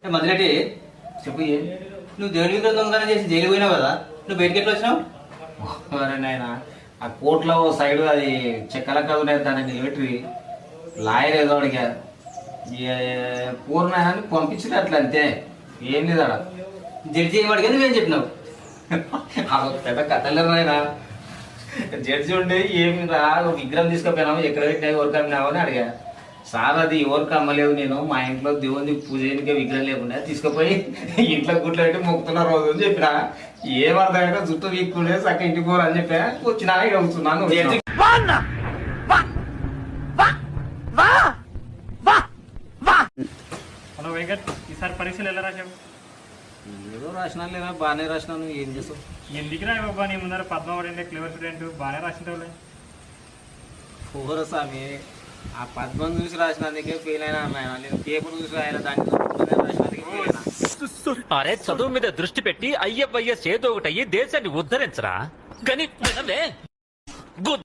మదిరెడ్డి చెప్పు ఏం నువ్వు దేవుని విగ్రహం దొంగతనం చేసి జైలు పోయినావు కదా నువ్వు బయటకి ఎట్లా వచ్చినావు? నాయన ఆ కోర్టులో ఓ సైడ్ అది చెక్కల కదునే దాన్ని నిలబెట్టి లాయర్ ఏదో అడిగారు పూర్ణ పంపించిన అట్లా అంతే ఏం లేదు అక్కడ జడ్జి ఏం అడిగా నువ్వేం చెప్పినావు? పెద్ద కథలేరు నాయన జడ్జి ఉండే ఏమి రా విగ్రహం తీసుకుపోయినాము ఎక్కడ పెట్టినా ఎవరికి అమ్మినావు అని అడిగా. సార్ అది ఎవరికి అమ్మలేదు, నేను మా ఇంట్లో దేవుని పూజ చేయడానికి విగ్రహం లేకుండా తీసుకుపోయి ఇంట్లో గుట్లో పెట్టి మొక్కుతున్న రోజు అని చెప్పిన. ఏమర్థమైనా జుట్టు వీక్కుండే చక్క ఇంటికి పోరు అని చెప్పా. వచ్చినా ఇక కూర్చున్నాను. హలో వెంకట్, ఈసారి పరీక్షలు ఎలా రాశావు? ఏదో రాసినా లేదా బాగానే రాసినాను. ఏం చేస్తావు? ఎందుకు రాయి బాబా, నీ ముందర పద్మావతి క్లియర్ స్టూడెంట్ బాగానే రాసింటావులే. ఓర స్వామి, ఆ పద్మం చూసి రాసినందుకే ఫెయిల్ అయినా ఆయన, నేను పేపర్ చూసి రాయాలి దానికి రాసినందుకే ఫెయిల్ అయినా. అరే చదువు మీద దృష్టి పెట్టి అయ్యయ్య చేదో ఒకటి అయ్యి దేశాన్ని ఉద్ధరించరా. కానీ